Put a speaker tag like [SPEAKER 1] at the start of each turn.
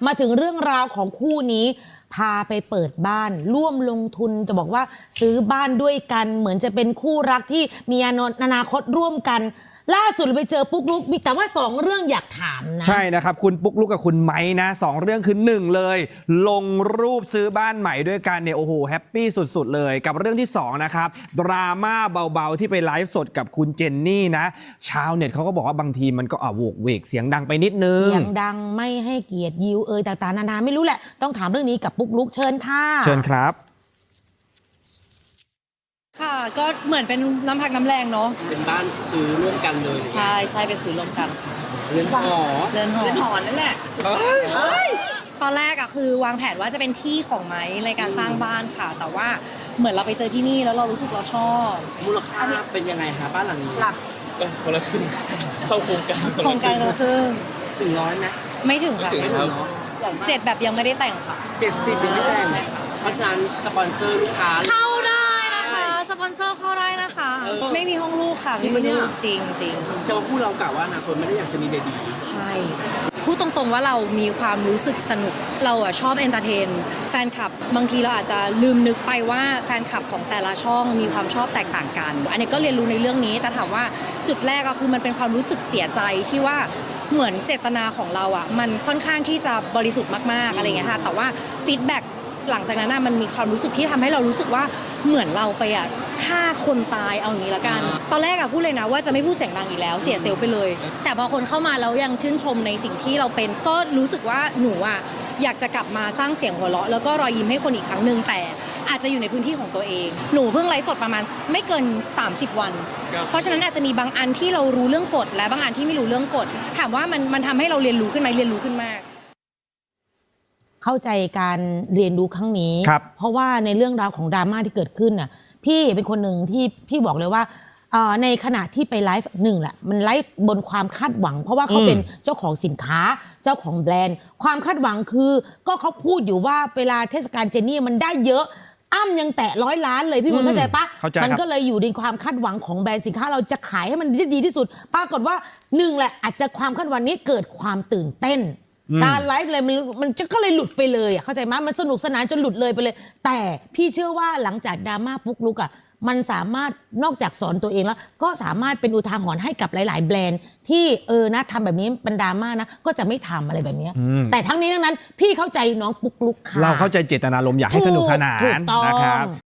[SPEAKER 1] มาถึงเรื่องราวของคู่นี้พาไปเปิดบ้านร่วมลงทุนจะบอกว่าซื้อบ้านด้วยกันเหมือนจะเป็นคู่รักที่มีอนาคตร่วมกันล่าสุดไปเจอปุ๊กลุกมีแต่ว่า2เรื่องอยากถามนะ
[SPEAKER 2] ใช่นะครับคุณปุ๊กลุกกับคุณไม้นะ2เรื่องคือ1เลยลงรูปซื้อบ้านใหม่ด้วยกันเนี่ยโอ้โหแฮปปี้สุดๆเลยกับเรื่องที่2นะครับดราม่าเบาๆที่ไปไลฟ์สดกับคุณเจนนี่นะชาวเน็ตเขาก็บอกว่าบางทีมันก็โวกเวกเสียงดังไปนิดนึง
[SPEAKER 1] เสียงดังไม่ให้เกียรติยิวต่างๆนานาไม่รู้แหละต้องถามเรื่องนี้กับปุ๊กลุกเชิญค่ะ
[SPEAKER 2] เชิญครับ
[SPEAKER 3] ค่ะก็เหมือนเป็นน้ำพักน้ำแรงเนาะ
[SPEAKER 4] เป็นบ้านซื้อร่วมกันเลย
[SPEAKER 3] ใช่ใช่เป็นซื้อร่วมกัน
[SPEAKER 4] เรือนหอ
[SPEAKER 3] เรือนหอ
[SPEAKER 4] นั่นแหละ
[SPEAKER 3] ตอนแรกอะคือวางแผนว่าจะเป็นที่ของไม้ในการสร้างบ้านค่ะแต่ว่าเหมือนเราไปเจอที่นี่แล้วเรารู้สึกเราชอบ
[SPEAKER 4] มูลค่าเป็นยังไงคะบ้านหลังนี้
[SPEAKER 3] หลัก
[SPEAKER 5] คนละครึ่งเข้าโครงการ
[SPEAKER 3] คนละครึ่ง
[SPEAKER 4] ถึง100ไหม
[SPEAKER 3] ไม่ถึงค่ะ7แบบยังไม่ได้แต่งค่ะ
[SPEAKER 4] 70ยังไม่แต่งเพราะฉะนั้นสปอนเซอร์ลูกค้า
[SPEAKER 3] เข้าได้นะคะสปอนเซอร์เข้าได้นะคะไม่มีห้องลูกค่ะไม่มีลูกจริง
[SPEAKER 4] แสดงว่าคู่เรากะว่าอนาคตไม่ได้อยากจะมีเบบี
[SPEAKER 3] ใช่พูดตรงๆว่าเรามีความรู้สึกสนุกเราอะชอบเอนเตอร์เทนแฟนคลับบางทีเราอาจจะลืมนึกไปว่าแฟนคลับของแต่ละช่องมีความชอบแตกต่างกันอันนี้ก็เรียนรู้ในเรื่องนี้แต่ถามว่าจุดแรกก็คือมันเป็นความรู้สึกเสียใจที่ว่าเหมือนเจตนาของเราอะมันค่อนข้างที่จะบริสุทธิ์มากๆอะไรเงี้ยค่ะแต่ว่าฟีดแบ็กหลังจากนั้นมันมีความรู้สึกที่ทำให้เรารู้สึกว่าเหมือนเราไปฆ่าคนตายเอาอย่างนี้ละกันตอนแรกพูดเลยนะว่าจะไม่พูดเสียงดังอีกแล้วเสียเซลล์ไปเลยแต่พอคนเข้ามาแล้วยังชื่นชมในสิ่งที่เราเป็นก็รู้สึกว่าหนูอยากจะกลับมาสร้างเสียงหัวเราะแล้วก็รอยยิ้มให้คนอีกครั้งหนึ่งแต่อาจจะอยู่ในพื้นที่ของตัวเองหนูเพิ่งไลฟ์สดประมาณไม่เกิน30 วันเพราะฉะนั้นอาจจะมีบางอันที่เรารู้เรื่องกฎและบางอันที่ไม่รู้เรื่องกฎถามว่ามันทำให้เราเรียนรู้ขึ้นไหมเรียนรู้ขึ้นมาก
[SPEAKER 1] เข้าใจการเรียนรู้ครั้งนี้เพราะว่าในเรื่องราวของดราม่าที่เกิดขึ้นน่ะพี่เป็นคนหนึ่งที่พี่บอกเลยว่าในขณะที่ไปไลฟ์แหละมันไลฟ์บนความคาดหวังเพราะว่าเขาเป็นเจ้าของสินค้าเจ้าของแบรนด์ความคาดหวังคือก็เขาพูดอยู่ว่าเวลาเทศกาลเจนนี่มันได้เยอะอ้ำยังแตะ100 ล้านเลยพี่บุญเข้าใจปะมันก็เลยอยู่ในความคาดหวังของแบรนด์สินค้าเราจะขายให้มันดีที่สุดปรากฏว่า1แหละอาจจะความคาดหวังนี้เกิดความตื่นเต้นการไลฟ์เลยมันก็เลยหลุดไปเลยเข้าใจไหมมันสนุกสนานจนหลุดเลยไปเลยแต่พี่เชื่อว่าหลังจากดราม่าปุ๊กลุกมันสามารถนอกจากสอนตัวเองแล้วก็สามารถเป็นอุทาหรณ์ให้กับหลายๆแบรนด์ที่นะทำแบบนี้เป็นดราม่านะก็จะไม่ทำอะไรแบบนี้แต่ทั้งนี้ทั้งนั้นพี่เข้าใจน้องปุ๊กลุกค่ะ
[SPEAKER 2] เราเข้าใจเจตนารมณ์อยากให้สนุกสนานนะครับ